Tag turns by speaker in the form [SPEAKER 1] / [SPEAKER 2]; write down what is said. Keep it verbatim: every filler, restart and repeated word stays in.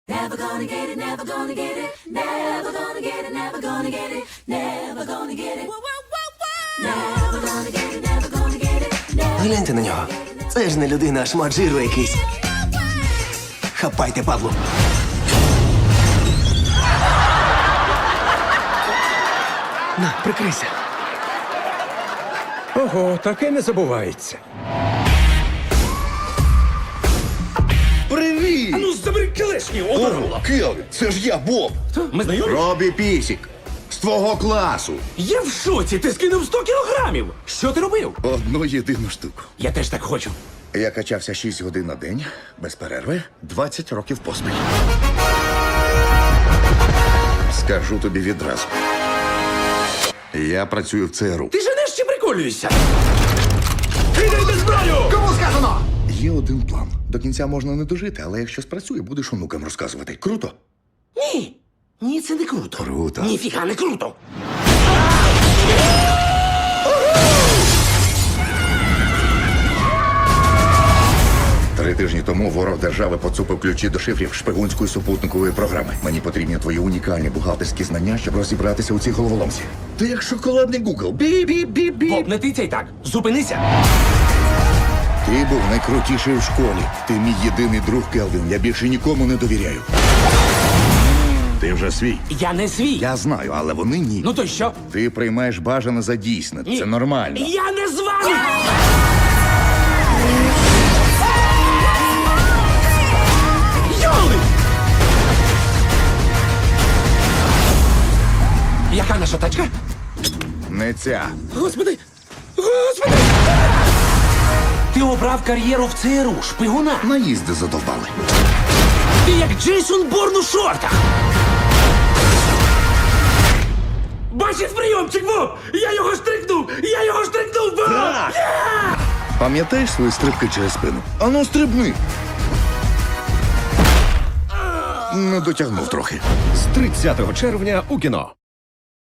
[SPEAKER 1] Never gonna get it, never gonna get it, never gonna get it, never gonna get it, never gonna get it. Never gonna get it, never gonna get it, never.
[SPEAKER 2] Гляньте на нього. Це ж не людина, а шмат жиру якийсь. Хапайте, Павло. На, прикрийся.
[SPEAKER 3] Ого, таке не забувається.
[SPEAKER 4] Привіт!
[SPEAKER 3] Ну, забери келешні,
[SPEAKER 4] О, Келвін, це ж я, Боб.
[SPEAKER 3] Ми знайомі?
[SPEAKER 4] Робі Пісік. З твого класу.
[SPEAKER 3] Я в шоці, ти скинув сто кілограмів. Що ти робив?
[SPEAKER 4] Одну єдину штуку.
[SPEAKER 3] Я теж так хочу.
[SPEAKER 4] Я качався шість годин на день, без перерви, двадцять років поспіль. Скажу тобі відразу. Я працюю в ЦРУ.
[SPEAKER 3] Ти женеш чи приколюєшся? Кидайте зброю!
[SPEAKER 4] Кому сказано? Є один план. До кінця можна не дожити, але якщо спрацює, будеш онукам розказувати. Круто?
[SPEAKER 3] Ні. Ні, це не круто.
[SPEAKER 4] Круто.
[SPEAKER 3] Ніфіга не круто.
[SPEAKER 4] Три тижні тому ворог держави поцупив ключі до шифрів шпигунської супутникової програми. Мені потрібні твої унікальні бухгалтерські знання, щоб розібратися у цій головоломці. Ти як шоколадний Гугл. Бі-бі-бі-бі.
[SPEAKER 3] Боб, не тицяй так. Зупинися.
[SPEAKER 4] Ти був найкрутіший у школі. Ти мій єдиний друг, Келвін. Я більше нікому не довіряю. Ти вже свій.
[SPEAKER 3] Я не свій.
[SPEAKER 4] Я знаю, але вони ні.
[SPEAKER 3] Ну то й що?
[SPEAKER 4] Ти приймаєш бажане за дійсне.
[SPEAKER 3] Ні.
[SPEAKER 4] Це нормально.
[SPEAKER 3] Я не з вами! Йоли! Яка наша тачка?
[SPEAKER 4] Не ця.
[SPEAKER 3] Господи! Господи! Ти обрав кар'єру в ЦРУ, шпигуна.
[SPEAKER 4] Наїзди задовбали.
[SPEAKER 3] Ти як Джейсон Борн у шортах. Бачиш прийомчик, Боб? Я його штрикнув! Я його штрикнув, Боб!
[SPEAKER 4] Пам'ятаєш свої стрибки через спину? Ану, стрибни. Не дотягнув трохи.
[SPEAKER 5] З тридцятого червня у кіно.